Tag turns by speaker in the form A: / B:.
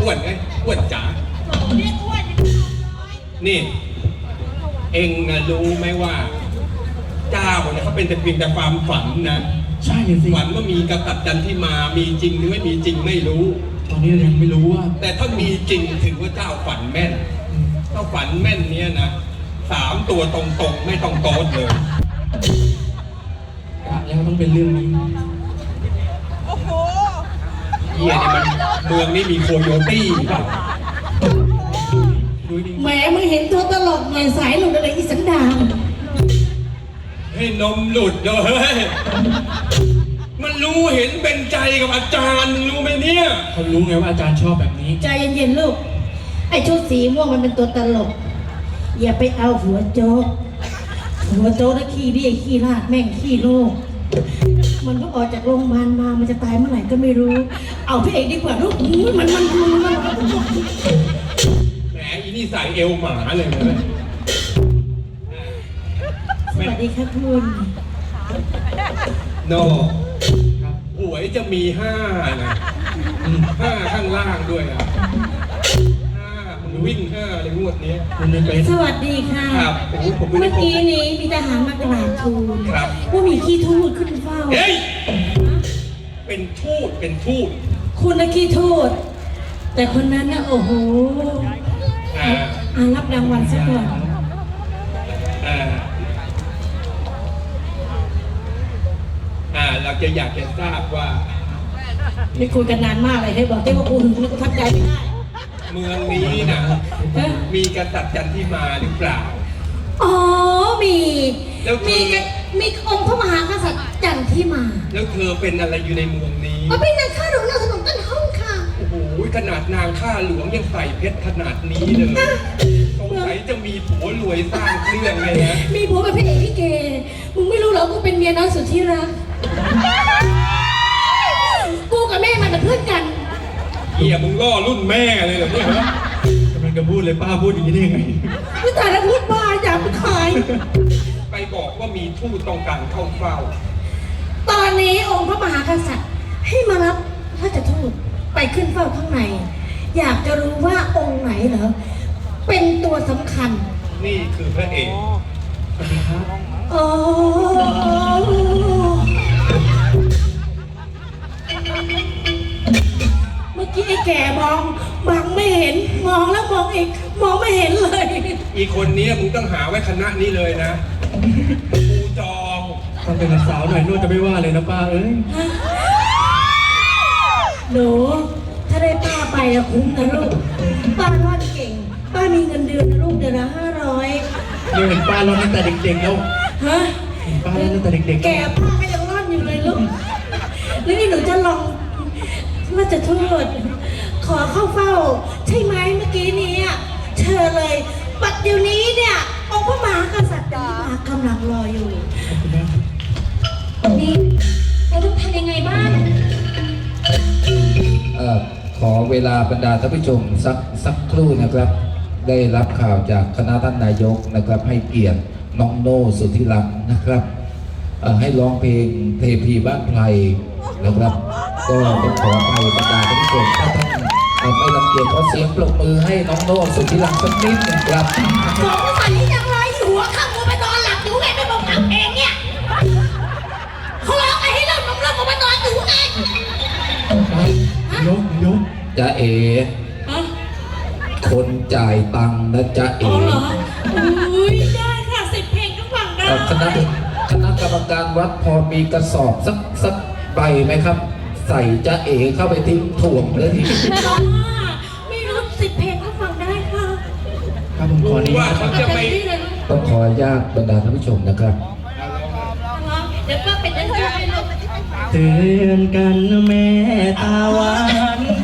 A: วนไงอ้วนจ๋านี่เอ็งรู้ไหมว่าเจ้าเนี่ยเขาเป็นแต่เพียงแต่ความฝันนะ
B: ใช่เลยสิ
A: ฝันว่ามีกษัตริย์จันทิมามีจริงหรือไม่มีจริงไม่รู้
B: ตอนนี้เรายังไม่รู้ว่า
A: แต่ถ้ามีจริงถือว่าเจ้าฝันแม่นถ้าฝันแม่นเนี้ยนะ3 ตัวตรงๆไม่ต้องโต๊ดเลย
B: แล้วต้องเป็นเรื่องนี้
C: โอ้โห
A: เฮียเนี่ยมันเมืองนี้มีโคโยตี้เปล่า
D: แหมมึงเห็นตัวตลกหน่อยสายหลุดอะไรอีสันดาน
A: ให้นมหลุดเลยมันรู้เห็นเป็นใจกับอาจารย์รู้ไหมเนี่ย
B: เขารู้ไงว่าอาจารย์ชอบแบบนี้
D: ใจเย็นๆลูกไอ้ชุดสีม่วงมันเป็นตัวตลกอย่าไปเอาหัวโจ๊กนะขี้ดิไอ้ขี้ราดแม่งขี้โลกมันก็ออกจากโรงพยาบาลมามันจะตายเมื่อไหร่ก็ไม่รู้เอาพี่เอกดีกว่าลูกมันแหม
A: อีนี่ใส่เอวหมาเลยนะ
D: สวัสดีค่ะคุณ
A: โนหวยจะมี5นะ5ข้างล่างด้วยอ่ะ5มันวิ่ง5ในงวดนี้
D: สวัสดีค่ะ
A: ครับ
D: เมื่อกี้นี้มีทหารมากราบทูลว่ามีขี้ทูตขึ้นเฝ้า
A: เฮ้ยเป็นทูต
D: คุณนะขี้ทูตแต่คนนั้นนะโอ้โหรับรางวัลสักก่อน
A: เราจะอยากจะทราบว่า
D: ไม่คุยกันนานมากเลยให้บอกที่ว่าคุณทักใจไม่ได้
A: เมืองนี้นะมีกษัตริย์จันทิมาหรือเปล่า
D: อ๋อมีองค์พระมหากษัตริย์จันทิมา
A: แล้วเธอเป็นอะไรอยู่ในเมืองนี้
D: เป็นนางข้าหลวงนางสนมต้นห้องค่ะ
A: โอ้โหขนาดนางข้าหลวงยังใส่เพชรขนาดนี้เลยสงสัยจะมีผัวรวยสร้างเครื่องเลยนะ
D: มีผัวเป็นพระเอกพี่เกมึงไม่รู้เหรอกูเป็นเมียน้อยสุดที่รักกูกับแม่มันเป็นเพื่อนกัน
A: เฮียมึงล่อรุ่นแม่เลยเหรอเนี่ย
B: กำลังจะพูดเลยป้าพูดอย่างนี้ได้ยังไง
D: ไม่แต่ละพูดบ้าอย่าไปขาย
A: ไปบอกว่ามีทูตต้องการเข้าเฝ้า
D: ตอนนี้องค์พระมหากษัตริย์ให้มารับพระเจ้าทูตไปขึ้นเฝ้าข้างในอยากจะรู้ว่าองค์ไหนเหรอเป็นตัวสำคัญ
A: นี่คือพระเอก
B: สวัสดีครับ
D: โอ้เมื่อกี้ไอ้แก่มองไม่เห็นมองแล้วมองอีกมองไม่เห็นเลย
A: อีคนนี้มึงต้องหาไว้คณะนี้เลยนะกูจอง
B: ต้องเป็นสาวหน่อยนู่นจะไม่ว่าเลยนะป้าเอ้ย
D: หนูถ้าได้ป้าไปอะคุ้มนะลูกป้าร่อนเก่งป้ามีเงินเดือนนะลูกเดือนละ500
B: เห็นป้าร่อนตั้งแต่เด็กๆแล้ว
D: ฮะ
B: เห็นป้าร่อนตั้งแต่เด็กๆ
D: แกป้าก็ยังร่อนอยู่เลยลูกแล้วนี่หนูจะลองว่าจะโทษขอเข้าเฝ้าใช่ไหมเมื่อกี้นี้เชิญเลยปัดเดี๋ยวนี้เนี่ยองค์พระมหากษัตริย์กำลังรออยู่นี่เราต้องทำยังไงบ้าง
E: ขอเวลาบรรดาท่านผู้ชมสักครู่นะครับได้รับข่าวจากคณะท่านนายกนะครับให้เกียรติน้องโน่สุทธิรักษ์นะครับให้ร้องเพลงเทพีบ้านไพรนะครับก็ต้องขออภัยบรรดาท่านผู้ชมถ้าท่านไม่รังเกียจขอเสียงปรบมือให้น้องโน่สุทธิรักษ์สักนิดนะครับ
D: สงสัยยังไรอยู่หัวข้ามกูไปนอนหลับอยู่ไงไม่บอกทำเองเนี่ยเขาร้องไอ้ให้เราผมมานอนอยู่ไง
B: ยก
E: จะเอ๋คนจ่ายตังค์นะจะเอ๋
D: ได้ค่ะ10 เพลงก็ฟังได้
E: คณะกรรมการวัดพอมีกระสอบสักใบไหมครับใส่จะเอ๋เข้าไปทิ้งถ่วงเลยที
D: ไม่รู้10 เพลงก็ฟังได้ค่ะ
B: ครับผมขอนี้
E: ต้องขออนุญาตบรรดาท่านผู้ชมนะครับ
D: เดี๋ยวก็เป็นยังไง
B: เตือนกันแม่ตาหวาน